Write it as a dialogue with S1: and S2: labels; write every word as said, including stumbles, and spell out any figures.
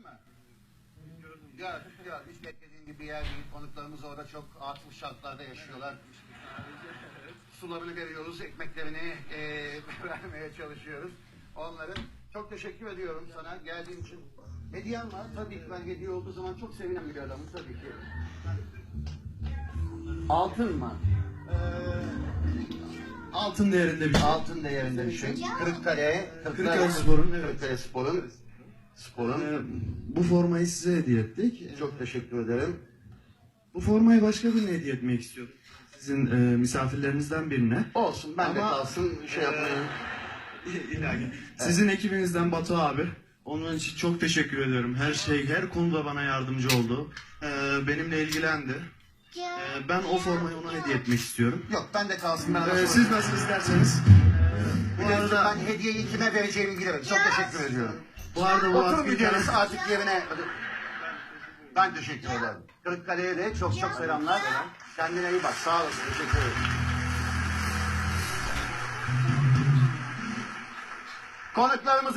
S1: Ya, ya hiç beklediğin gibi bir yer değil. Konuklarımız orada çok atıl şartlarda yaşıyorlar. Sularını veriyoruz, ekmeklerini eee vermeye çalışıyoruz. Onların çok teşekkür ediyorum sana geldiğin için. Hediyem var. Tabii ki ben hediye olduğu zaman çok sevinen bir adamım tabii ki. Altın mı?
S2: Altın değerinde bir şey.
S1: Altın değerinde bir şey. Kırıkkale,
S2: Kırıkkale Spor'un, evet.
S1: Kırıkkale Spor'un. Spor'un.
S2: Ee, bu formayı size hediye ettik. Ee,
S1: Çok teşekkür ederim.
S2: Bu formayı başka birine hediye etmek istiyorum. Sizin e, misafirlerinizden birine.
S1: Olsun, ben de
S2: Ama,
S1: kalsın şey yapmayın.
S2: İlahi. Sizin ekibinizden Batu abi. Onun için çok teşekkür ediyorum. Her şey, her konuda bana yardımcı oldu. Ee, benimle ilgilendi. Ee, ben o formayı ona hediye etmek istiyorum.
S1: Yok, ben de kalsın. Ben
S2: Ee, siz nasıl isterseniz.
S1: Bu
S2: Bu arada,
S1: ben hediyeyi kime vereceğimi bilirim. Çok teşekkür ediyorum.
S2: bu arada bu
S1: Oturmayacağız
S2: aktivitenin-
S1: artık yerine. Ben teşekkür ederim. Kırıkkale'ye de çok çok selamlar. Kendine iyi bak. Sağ olasın. Teşekkür ederim. Konuklarımız